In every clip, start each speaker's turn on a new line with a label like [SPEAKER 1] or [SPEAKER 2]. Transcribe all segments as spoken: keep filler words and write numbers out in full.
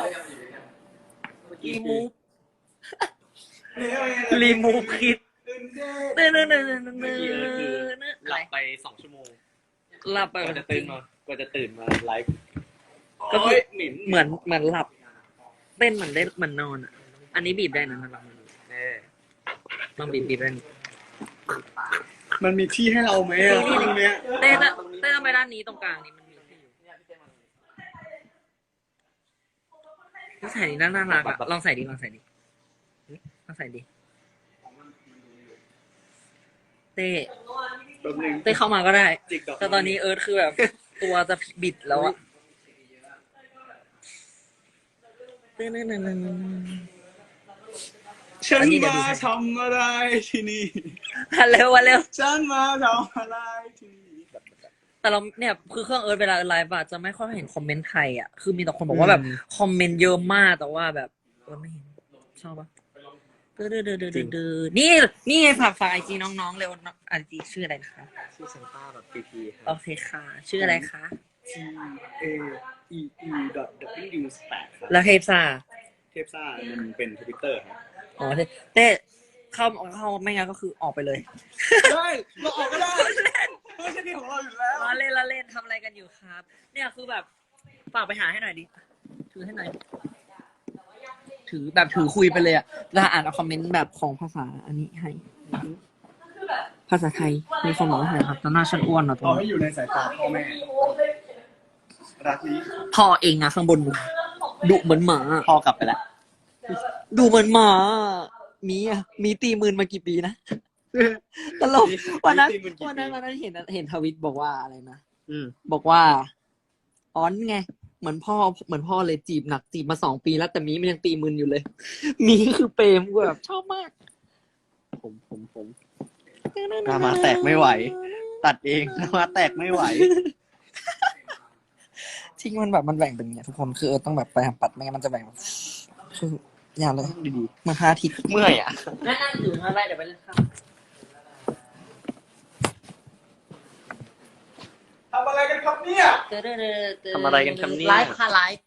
[SPEAKER 1] รีมูฟรีมูฟคิดเนื่อเนื่อเนื่อเนื่อเนื่อหลับไปสองชั่วโมงหลับไปกว่าจะตื่นมากว่าจะตื่นมาไลฟ์ก็คือเหมือนเหมือนหลับเต้นเหมือนได้เหมือนนอนอ่ะอันนี้บีบได้นะลองลองบีบบีบได้
[SPEAKER 2] มันมีที่ให้เราไหมอ่ะตรงเนี้ย
[SPEAKER 1] เต้นเต้นไปด้านนี้ตรงกลางนี้มันมีที่อยู่ต้องใส่ดีน่าน่ารักอะลองใส่ดีลองใส่ดีลองใส่ดีเต้เต้เข้ามาก็ได้แต่ตอนนี้เอิร์ธคือแบบตัวจะบิดแล้วอะเต้นนั่นนั่นนั่น
[SPEAKER 2] ฉันมาทำอะไรที่นี่
[SPEAKER 1] เร็ววันเร็ว
[SPEAKER 2] ฉันมาทำอะไรที่นี่
[SPEAKER 1] แต่เราเนี่ยคือเครื่องเอิร์ธเวลาไลฟ์อะจะไม่ค่อยเห็นคอมเมนต์ไทยอะคือมีแต่คนบอกว่าแบบคอมเมนต์เยอะมากแต่ว่าแบบเออไม่เห็นชอบปะเดือดเดือดเดือดเดือดเดือดนี่นี่ไงฝากฝากไอจีน้องๆเร็วไอจีชื่ออะไรนะคะ
[SPEAKER 2] ชื่อเซนต้าแบบพีพี
[SPEAKER 1] โอเคค่ะชื่ออะไรคะ
[SPEAKER 2] T A E E dot W แปด
[SPEAKER 1] แล้วเทปซ่า
[SPEAKER 2] เทปซ่ามันเป็นทวิตเตอร์ครับ
[SPEAKER 1] อ๋อเต้เข้าเข้าไม่งั้นก็คือออกไปเลย
[SPEAKER 2] ได้เราออกก็ได้ไม่ใช่ที่ของเราอยู่แล้ว
[SPEAKER 1] เราเล่นเราเล่นทำอะไรกันอยู่ครับเนี่ยคือแบบฝากไปหาให้หน่อยดิถือให้หน่อยถือแบบถือคุยไปเลยอะแล้วอ่านเอาคอมเมนต์แบบของภาษาอันนี้ให้ภาษาไทยมีคนบอกว่าไงครับตอนหน้าฉันอ้วนเหรอตัว
[SPEAKER 2] ไม่อยู่ในสายตาพ่อแม่รักนี้
[SPEAKER 1] พ่อเองอะข้างบนดุเหมือนหมา
[SPEAKER 2] พ่อกลับไปแล้ว
[SPEAKER 1] ดูเหมือนหมามีอะมีตีมืนมากี่ปีนะตลกวันนั้นวันนั้นวันนั้นเห็นเห็นทวิตบอกว่าอะไรนะบอกว่าอ้อนไงเหมือนพ่อเหมือนพ่อเลยจีบหนักจีบมาสองปีแล้วแต่มีมันยังตีมืนอยู่เลยมีคือเปรมกูแบบชอบมาก
[SPEAKER 2] ผมผมผมหน้ามาแตกไม่ไหวตัดเองหน้ามาแตกไม่ไหว
[SPEAKER 1] ทิ้งมันแบบมันแบ่งเป็นอย่างทุกคนคือต้องแบบไปทำปัดไม่งั้นมันจะแบ่งคืออย่าเลย
[SPEAKER 2] ดี
[SPEAKER 1] ๆมาห้าทิศ
[SPEAKER 2] เมื่อยอ่ะ
[SPEAKER 1] นั่งอยู่อะไรเดี๋ยวไปเล่นข้าว
[SPEAKER 2] ทำอะไรกันครับเนี่ย
[SPEAKER 1] ทำอะไรกันครับเนี่ยไลฟ์ค่ะไลฟ์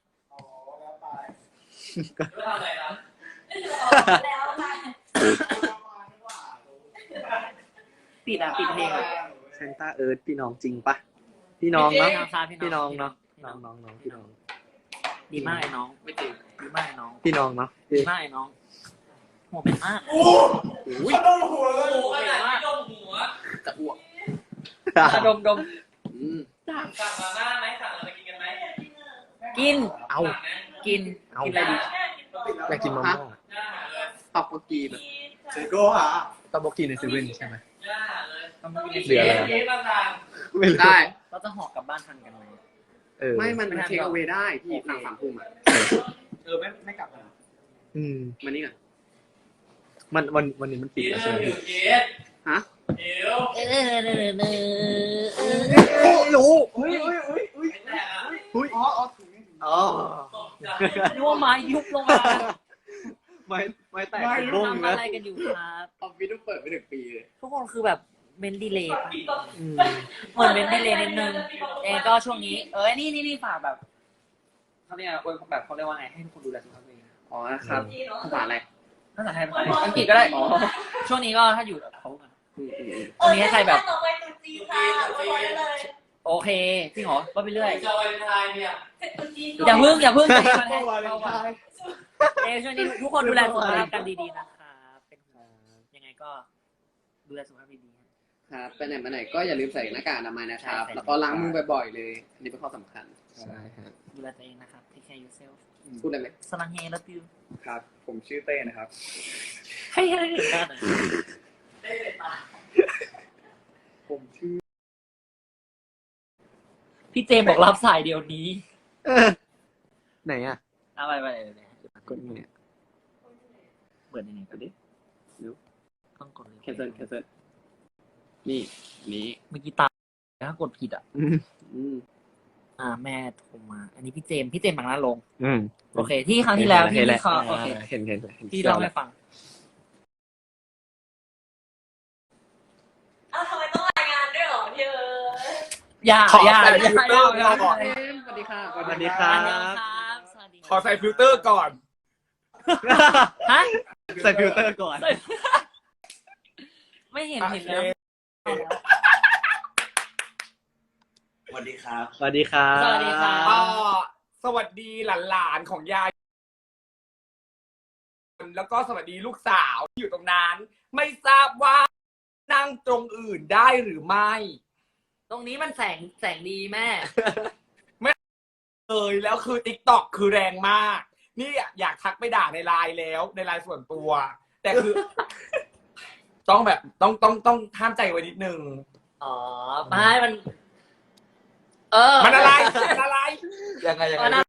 [SPEAKER 1] ปิดอ่ะปิดเพลงอ่ะ
[SPEAKER 2] เซนต้าเอิร์ธพี่น้องจริงปะพี่น้องเนาะพี่น้องเนาะ
[SPEAKER 1] น้องน้องน้องพี่น้องดีมากไอ้น้องไม่จริงดีมากไอ้น้อง
[SPEAKER 2] พี่น้องเนาะ
[SPEAKER 1] ดีมากไอ้น้องหัวเป็นมาก
[SPEAKER 2] โอ้ยดมหัวเลย
[SPEAKER 1] หัวเป็นมากดมหัวจะอ้วกดมดมสั่งมาม่าไหมสั่งอะไรกินกันไหมกิน
[SPEAKER 2] เอา
[SPEAKER 1] กินกินอะไรดี
[SPEAKER 2] อยากกินมาม่า
[SPEAKER 1] ตับโบกีแบบ
[SPEAKER 2] เซโก้ฮะตับโบกีในเซเว่นใช่ไหม
[SPEAKER 1] เหลืออะไร
[SPEAKER 2] ไม่
[SPEAKER 1] ได้เราจะห่อกลับบ้านทันกันไหม
[SPEAKER 2] ไม่มันเทคเอาไว้ได้ที่ทางสามทุ่มอ่ะเออไม่ไม่กลับนะอืมมันนี่ก่อนมันวันวันนี้มันปิดแล้วใช่ไหมฮะ
[SPEAKER 1] เดี๋ยวเออเออเอ
[SPEAKER 2] อรู้อุ้ยอุ้ยอุ้ยอุ้ยอุ้ยอ๋ออ๋ออ๋อ
[SPEAKER 1] นึกว่าไม้ยุบลงมา
[SPEAKER 2] ไม้ไม้แตก
[SPEAKER 1] ทำอะไรกันอยู่ครับ
[SPEAKER 2] ออฟฟิศต้องเปิดไปหนึ่งปีเลย
[SPEAKER 1] ทุกคนคือแบบเมนดีเลย์เหมือนเมนดีเลย์นิดนึงเองก็ช่วงนี้เอ้ยนี่นี่นี่ฝากแบบเขาเรียกว่าแบบเขาเรียกว่าไงให้ทุกคนดูแลสุขภาพตัวเอง
[SPEAKER 2] อ๋อครับภาษาอะไร
[SPEAKER 1] ภาษาไทยอังกฤษก็ได้ช่วงนี้ก็ถ้าอยู่เขากันตรงนี้ให้ใครแบบโอเคจริงเหรอก็ไปเรื่อยอย่าพึ่งอย่าพึ่งเอช่วงนี้ทุกคนดูแลสุขภาพกันดีๆนะครับเป็นยังไงก็ดูแลสุขภาพดีๆ
[SPEAKER 2] ครับไปไหนมาไหนก็อย่าลืมใส่หน้ากากอนามัยนะครับแล้วก็ล้างมือบ่อยๆเลยอันนี้เป็นข้อสำคัญ
[SPEAKER 1] ใช่ครับดูแลตัวเองนะครับ take care yourself
[SPEAKER 2] พูดได้ไหม
[SPEAKER 1] สลังเฮลับยู
[SPEAKER 2] ครับผมชื่อเต้นะครับ
[SPEAKER 1] ให้ให้เห็นกัน
[SPEAKER 2] ผมชื่อ
[SPEAKER 1] พี่เจมบอกรับสายเดียวนี้
[SPEAKER 2] ไหนอ่ะ
[SPEAKER 1] เอาไปไปเลย
[SPEAKER 2] กดเนี่ย
[SPEAKER 1] เปิดยังไงก็ได้
[SPEAKER 2] ดู
[SPEAKER 1] ต้องกดเลย
[SPEAKER 2] แคนเซิลแคนเซิลนี่นี้
[SPEAKER 1] เมื่อกี้ตาถ้ากดผิดอ่ะ
[SPEAKER 2] อืม
[SPEAKER 1] อ่าแม่โทรมาอันนี้พี่เจมพี่เจมบางหน้าลง
[SPEAKER 2] อืม
[SPEAKER 1] โอเคที่ครั้งที่แล้วที่ที่เขาโอเค
[SPEAKER 2] เห็นเห็น
[SPEAKER 1] ที่เล่าให้ฟัง
[SPEAKER 3] อ้าวทำไมต้องรายงานด้วยหรอพี่เออ
[SPEAKER 1] อย่าอย่าอย่าอย่า
[SPEAKER 2] สวัสดีค่ะสวัสดีครับ
[SPEAKER 1] สวัสดี
[SPEAKER 4] ขอใส่ฟิลเตอร์ก่อน
[SPEAKER 1] ฮะ
[SPEAKER 2] ใส่ฟิลเตอร์ก่อน
[SPEAKER 1] ไม่เห็นเห็นแล้ว
[SPEAKER 5] สวัสดีครับ
[SPEAKER 2] สวัสดีครับ
[SPEAKER 1] สวัสดีครับ
[SPEAKER 4] อ่าสวัสดีหลานๆของยาย แล้วก็สวัสดีลูกสาวที่อยู่ตรงนั้น ไม่ทราบว่านั่งตรงอื่นได้หรือไม่
[SPEAKER 1] ตรงนี้มันแสงแสงดีแม่
[SPEAKER 4] เอยแล้วคือ ติ๊กต็อก คือแรงมาก นี่อยากทักไปด่าในไลน์แล้วในไลน์ส่วนตัว แต่คือ ต้องแบบต้องต้องต้องห้ามใจไว้นิดนึง
[SPEAKER 1] อ๋อไม่มัน เออ
[SPEAKER 4] มันอะไรมันอะไร
[SPEAKER 2] ยังไงยัง
[SPEAKER 1] มัน
[SPEAKER 2] ไง